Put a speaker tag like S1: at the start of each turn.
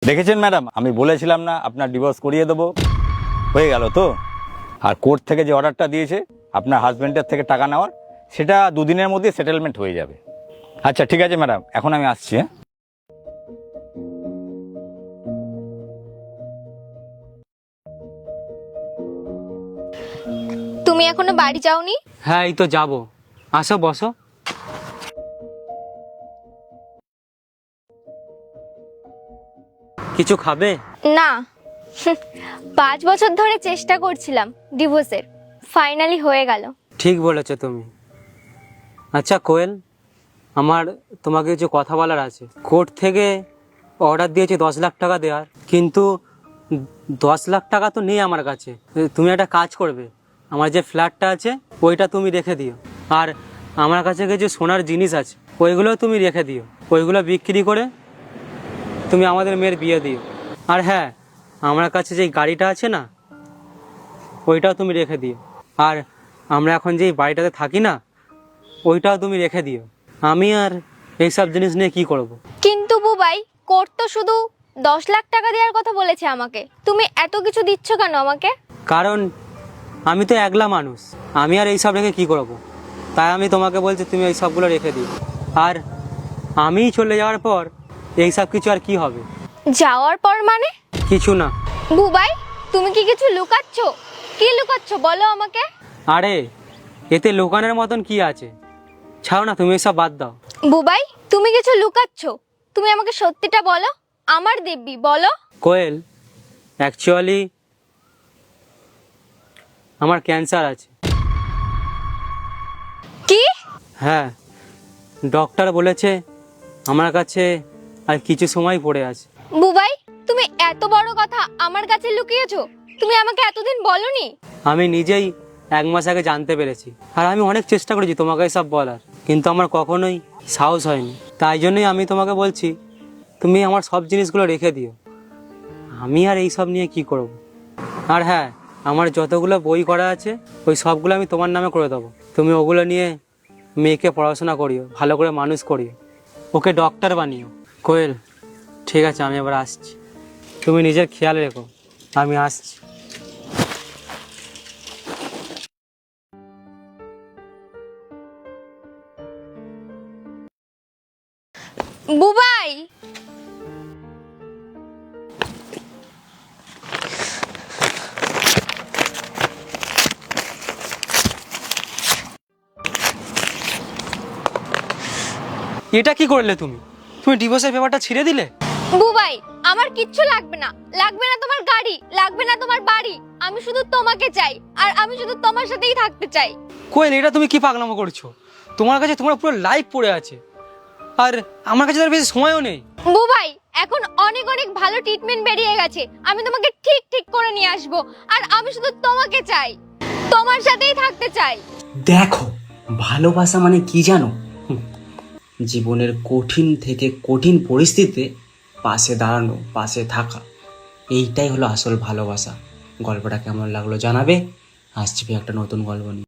S1: দেখেছেন ম্যাডাম, আমি বলেছিলাম না আপনার ডিভোর্স করিয়ে দেবো, হয়ে গেল তো। আর কোর্ট থেকে যে অর্ডারটা দিয়েছে আপনার হাজব্যান্ডের থেকে টাকা নেওয়ার, সেটা দুদিনের মধ্যে সেটেলমেন্ট হয়ে যাবে। আচ্ছা ঠিক আছে ম্যাডাম, এখন আমি আসছি। হ্যাঁ,
S2: তুমি এখনো বাড়ি যাওনি?
S3: হ্যাঁ, এই তো যাবো। আসো, বসো। কিছু খাবে?
S2: না। 5 বছর ধরে চেষ্টা করছিলাম ডিভোর্সের, ফাইনালি হয়ে গেল।
S3: ঠিক বলেছো তুমি। আচ্ছা কোয়েল, আমার তোমাকে কিছু কথা বলার আছে। কোর্ট থেকে অর্ডার দিয়েছে 10 লাখ টাকা দেওয়ার, কিন্তু 10 লাখ টাকা তো নেই আমার কাছে। তুমি একটা কাজ করবে, আমার যে ফ্ল্যাটটা আছে ওইটা তুমি রেখে দিও, আর আমার কাছে কিছু সোনার জিনিস আছে ওইগুলো তুমি রেখে দিও। ওইগুলো বিক্রি করে তুমি আমাদের মেয়ের বিয়ে দিও। আর হ্যাঁ, আমার কাছে যে গাড়িটা আছে না, ওইটাও তুমি রেখে দিও। আর আমরা এখন যেই বাড়িটাতে থাকি না, ওইটাও তুমি রেখে দিও। আমি আর এইসব জিনিস নিয়ে কি করব।
S2: কিন্তু বুবাই, কোর্ট তো শুধু 10 লাখ টাকা দেওয়ার কথা বলেছে আমাকে, তুমি এত কিছু দিচ্ছ কেন আমাকে?
S3: কারণ আমি তো একলা মানুষ, আমি আর এইসব রেখে কি করব। তাই আমি তোমাকে বলছি তুমি এই সবগুলো রেখে দিও। আর আমি চলে যাওয়ার পর এইসব কিছু আর কি হবে?
S2: যাওয়ার পর মানে?
S3: কিছু না।
S2: বুবাই, তুমি কি কিছু লুকাচ্ছ? কি লুকাচ্ছ বলো আমাকে।
S3: আরে এতে লোকানের মতন কি আছে, ছাড়ো না, তুমি এসব বাদ দাও।
S2: বুবাই, তুমি কিছু লুকাচ্ছ, তুমি আমাকে সত্যিটা বলো। আমার দিব্যি বলো।
S3: কোয়েল, অ্যাকচুয়ালি আমার ক্যান্সার আছে।
S2: কি?
S3: হ্যাঁ, ডক্টর বলেছে আমার কাছে আর কিছু সময় পড়ে আছে।
S2: বুবাই, তুমি এত বড় কথা আমার কাছে লুকিয়েছো, তুমি আমাকে এতদিন বলনি।
S3: আমি নিজেই 1 মাস আগে জানতে পেরেছি, আর আমি অনেক চেষ্টা করেছি তোমাকে সব বলার, কিন্তু আমার কখনোই সাহস হয়নি। তাই জন্যই আমি তোমাকে বলছি তুমি আমার সব জিনিসগুলো রেখে দিও। আমি আর এই সব নিয়ে কি করব। আর হ্যাঁ, আমার যতগুলো বই করা আছে ওই সবগুলো আমি তোমার নামে করে দেবো। তুমি ওগুলো নিয়ে মেয়েকে পড়াশোনা করিও, ভালো করে মানুষ করিও, ওকে ডক্টর বানিও। কোয়েল, ঠিক আছে, আমি এবার আসছি। তুমি নিজের খেয়াল রেখো, আমি আসছি।
S2: বুবাই,
S3: এটা কি করলে তুমি? তুমি ডিভোর্সের পেপারটা ছিঁড়ে দিলে।
S2: বুবাই, আমার কিচ্ছু লাগবে না, লাগবে না তোমার গাড়ি, লাগবে না তোমার বাড়ি। আমি শুধু তোমাকে চাই, আর আমি শুধু তোমার সাথেই থাকতে চাই।
S3: কোয়েল, এটা তুমি কি পাগলামো করছো? তোমার কাছে তোমার পুরো লাইফ পড়ে আছে, আর আমার কাছে তার বেশি সময়ও নেই।
S2: বুবাই, এখন অনেক অনেক ভালো ট্রিটমেন্ট বেরিয়ে গেছে, আমি তোমাকে ঠিক ঠিক করে নিয়ে আসবো। আর আমি শুধু তোমাকে চাই, তোমার সাথেই থাকতে চাই।
S4: দেখো, ভালোবাসা মানে কি জানো? জীবনের কঠিন থেকে কঠিন পরিস্থিতিতে পাশে দাঁড়ানো, পাশে থাকা, এইটাই হলো আসল ভালোবাসা। গল্পটা কেমন লাগলো জানাবে। আসছি একটা নতুন গল্প নিয়ে।